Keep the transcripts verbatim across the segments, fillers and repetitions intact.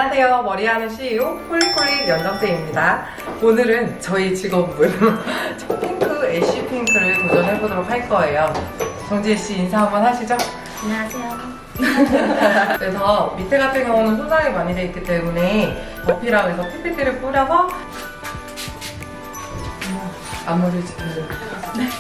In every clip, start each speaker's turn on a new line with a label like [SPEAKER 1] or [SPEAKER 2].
[SPEAKER 1] 안녕하세요. 머리하는 씨이오 폴리폴릭 연정쌤입니다. 오늘은 저희 직원분 핑크 애쉬 핑크를 도전해보도록 할 거예요. 정지혜씨 인사 한번 하시죠.
[SPEAKER 2] 안녕하세요.
[SPEAKER 1] 그래서 밑에 같은 경우는 손상이 많이 돼 있기 때문에 버피라고 해서 피피티를 뿌려서 앞머리를 지켜줘요.
[SPEAKER 2] 네.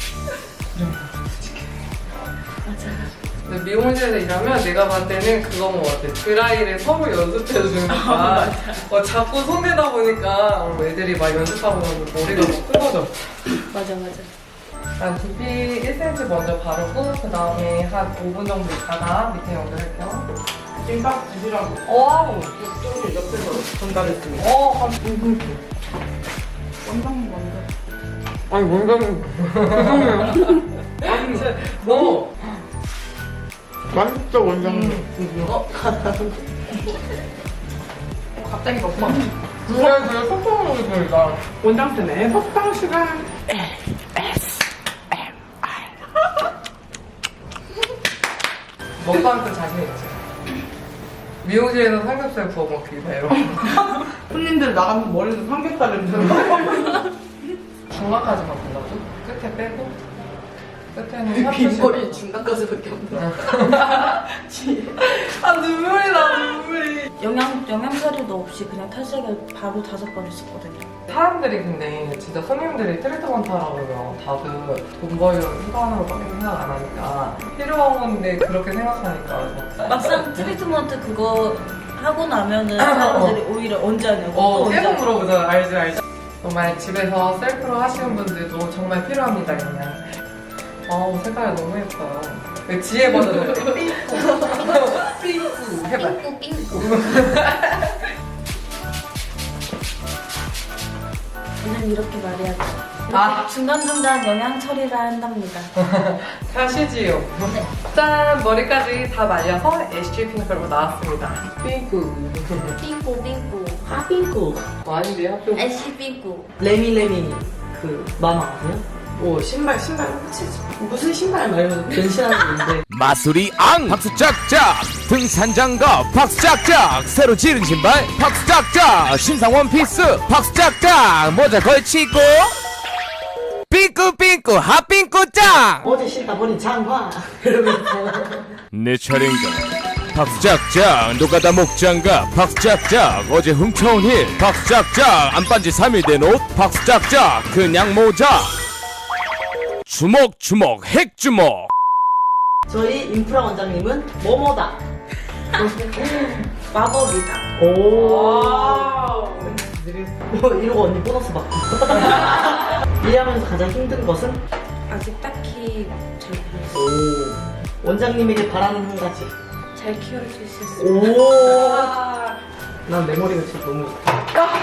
[SPEAKER 1] 근데 미용실에서 일하면 내가 봤을 때는 그건 것 같아. 드라이를 서로 연습해주니까 어, 자꾸 손대다 보니까 어, 애들이 막 연습하고 나면 머리가 막 끊어져.
[SPEAKER 2] 맞아 맞아.
[SPEAKER 1] 일단 두피 일 센티미터 먼저 바르고 그 다음에 한 오 분 정도 있다가 밑에 연결할게요.
[SPEAKER 3] 찐빵 드시라고
[SPEAKER 1] 와우!
[SPEAKER 3] 좀 옆에서 전달했습니다.
[SPEAKER 1] 어, 한 오 분.
[SPEAKER 3] 원장 먼저.
[SPEAKER 1] 아니 뭔가는 아니 너
[SPEAKER 3] 맛있죠 원장님.
[SPEAKER 1] 음. 어? 갑자기 먹방 누가 되게 속상하고 있으니까
[SPEAKER 3] 원장쌤의 먹방 시간.
[SPEAKER 1] 먹방 때 자신 있지? 미용실에서 삼겹살 구워 먹기 배로
[SPEAKER 3] 손님들 나가면 머리도 삼겹살을 드는
[SPEAKER 1] 중간까지만 골라줘? 끝에 빼고 끝에는
[SPEAKER 3] 빈머리 중간까지밖에 없네.
[SPEAKER 1] 아 눈물이 나 눈물이
[SPEAKER 2] 영양 영양 사료도 없이 그냥 탈색을 바로 다섯 번 했었거든요.
[SPEAKER 1] 사람들이 근데 진짜 손님들이 트리트먼트 하라고 하면 다들 돈 벌려는 수단으로밖에 생각 안 하니까 필요한 건데 그렇게 생각하니까
[SPEAKER 2] 막상 트리트먼트 그거 하고 나면은 사람들이 오히려 언제 하냐고.
[SPEAKER 1] 어
[SPEAKER 2] 또 언제
[SPEAKER 1] 계속
[SPEAKER 2] 하냐고.
[SPEAKER 1] 물어보잖아. 알지 알지. 정말 집에서 셀프로 하시는 분들도 정말 필요합니다. 그냥 아우 색깔이 너무 예뻐요. 그 지혜 버전으로 삐꾸 삐꾸 해봐.
[SPEAKER 2] 삥꾸 삥꾸. 저는 이렇게 말해야죠. 이렇게
[SPEAKER 1] 아.
[SPEAKER 2] 중간중간 영양 처리를 한답니다.
[SPEAKER 1] 가시지요.
[SPEAKER 2] 네.
[SPEAKER 1] 짠! 머리까지 다 말려서 애쉬 핑크로 나왔습니다. 삐꾸.
[SPEAKER 2] 삥꾸 삥꾸.
[SPEAKER 4] 하핑크
[SPEAKER 1] 아닌데 학교
[SPEAKER 2] 애쉬 삥꾸.
[SPEAKER 4] 레미레미 그 마마 아세요? 오 신발 신발 무슨 신발 말고 변신하는 건데
[SPEAKER 5] 마수리 앙 박수 짝짝 등산장갑 박수 짝짝 새로 지른 신발 박수 짝짝 신상 원피스 박수 짝짝 모자 걸치고 삐꾸삐꾸 핫삐꾸 짱
[SPEAKER 4] 어제 신다 버린 장화 이러면서
[SPEAKER 5] 내 차례인가 박수 짝짝 노가다 목장갑 박수 짝짝 어제 훔쳐온 힐 박수 짝짝 안 빤지 삼 일 된 옷 박수 짝짝 그냥 모자 주먹 주먹 핵주먹
[SPEAKER 4] 저희 인프라 원장님은 뭐뭐다
[SPEAKER 2] 마법이다.
[SPEAKER 4] 오 뭐 이러고 언니 보너스 받고 일하면서 가장 힘든 것은?
[SPEAKER 2] 아직 딱히 잘 모르겠어요.
[SPEAKER 4] 오 원장님에게 바라는 한 가지
[SPEAKER 2] 잘 키울 수 있었어요.
[SPEAKER 4] 오난 내 머리가 진짜 너무 좋다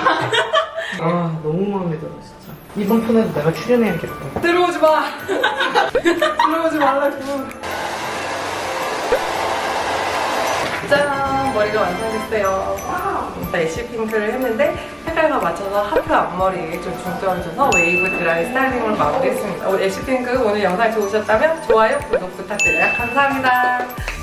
[SPEAKER 4] 아 너무 마음에 들어 진짜 이번 편에도 내가 출연해야겠다
[SPEAKER 1] 들어오지 마! 들어오지 말라고. 짠! 머리가 완성됐어요. 와우! 애쉬 핑크를 했는데 색깔과 맞춰서 하프 앞머리에 좀 중점을 줘서 웨이브 드라이 스타일링으로 마무리했습니다. 애쉬 핑크 오늘 영상 좋으셨다면 좋아요, 구독 부탁드려요. 감사합니다.